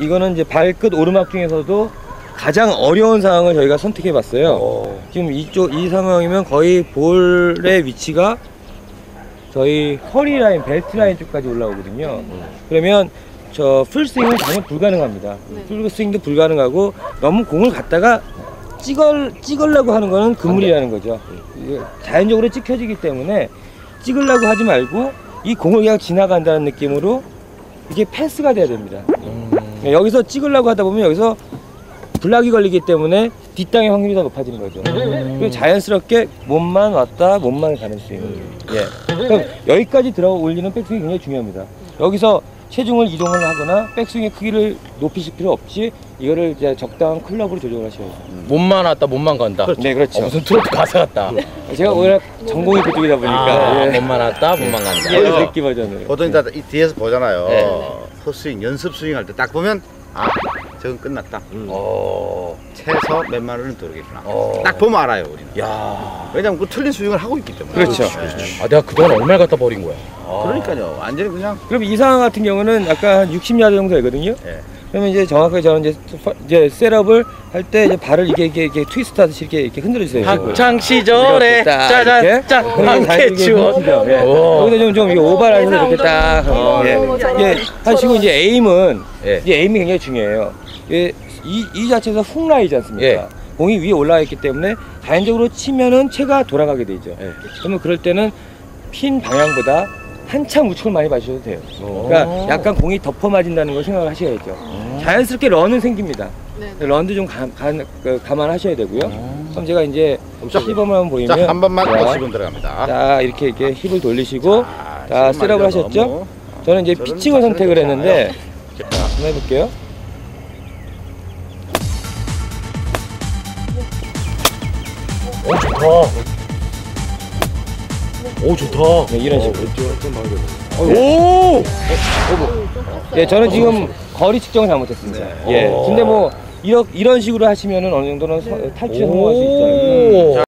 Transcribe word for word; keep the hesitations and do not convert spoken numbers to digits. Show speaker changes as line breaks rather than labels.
이거는 이제 발끝 오르막 중에서도 가장 어려운 상황을 저희가 선택해 봤어요. 오. 지금 이쪽 이 상황이면 거의 볼의 위치가 저희 허리 라인, 벨트 라인 쪽까지 올라오거든요. 음. 그러면 저 풀스윙은 전혀 불가능합니다. 네. 풀스윙도 불가능하고 너무 공을 갖다가 찍을, 찍으려고 하는 거는 금물이라는 거죠. 자연적으로 찍혀지기 때문에 찍으려고 하지 말고 이 공을 그냥 지나간다는 느낌으로 이게 패스가 돼야 됩니다. 음. 여기서 찍으려고 하다 보면 여기서 블락이 걸리기 때문에 뒷땅의 확률이 더 높아지는 거죠. 음. 그리고 자연스럽게 몸만 왔다 몸만 가는 스윙. 음. 예. 그럼 여기까지 들어 올리는 백스윙이 굉장히 중요합니다. 여기서 체중을 이동을 하거나 백스윙의 크기를 높이실 필요 없이 이거를 이제 적당한 클럽으로 조정을 하셔야 돼요.
음. 몸만 왔다 몸만 간다.
그렇죠. 네, 그렇죠.
어, 무슨 트로트 가사 같다.
제가 워낙 전공이 그쪽이다 보니까
아,
예.
몸만 왔다 몸만 간다.
예, 느끼 버전으로.
보통 이따 이 뒤에서 보잖아요.
네.
헛스윙, 연습 스윙 할 때 딱 보면 아, 저건 끝났다.
음. 어.
채서 몇만 원은 들어오겠구나.
어.
딱 보면 알아요, 우리는.
야.
왜냐면 그 틀린 스윙을 하고 있기 때문에.
그렇죠.
아, 내가 그동안 얼마를 갖다 버린 거야. 아.
그러니까요. 완전히 그냥.
그럼 이 상황 같은 경우는 아까 한 육십 야드 정도 되거든요.
예.
그러면 이제 정확하게 저는 이제 이제 셋업을 할 때 이제 발을 이렇게 이렇게, 이렇게 트위스트 하듯이 이렇게 이렇게 흔들어 주세요.
학창 시절에 짜잔 짠 함께 추억.
예. 여기서 좀 좀 이게 오버라인으로 이렇게 딱 어, 예. 예. 하시고 이제 에임은
예.
이제 에임이 굉장히 중요해요. 예. 이, 이 자체에서 훅 라이지 않습니까?
예.
공이 위에 올라가 있기 때문에 자연적으로 치면은 채가 돌아가게 되죠.
예.
그러면 그럴 때는 핀 방향보다 한참 우측을 많이 봐주셔도 돼요.
오.
그러니까 약간 공이 덮어 맞은다는 걸 생각을 하셔야죠. 오. 자연스럽게 런은 생깁니다. 네. 런도 좀 가, 가, 그, 감안하셔야 되고요. 오. 그럼 제가 이제 시범을 한번 보이면
자, 한 번만
자,
더 시범 들어갑니다.
자, 이렇게 이렇게 힙을 돌리시고
자,
자, 셋업을 하셨죠?
너무,
저는 이제
저는
피칭을 선택을
괜찮아요.
했는데 자, 한번 해볼게요.
오 좋다. 오 좋다.
네, 이런 식으로.
오.
예, 저는 지금 거리 측정을 잘못했습니다.
네.
예.
오.
근데 뭐 이런 이런 식으로 하시면은 어느 정도는 서, 탈출에 성공할 수 있어요.
오.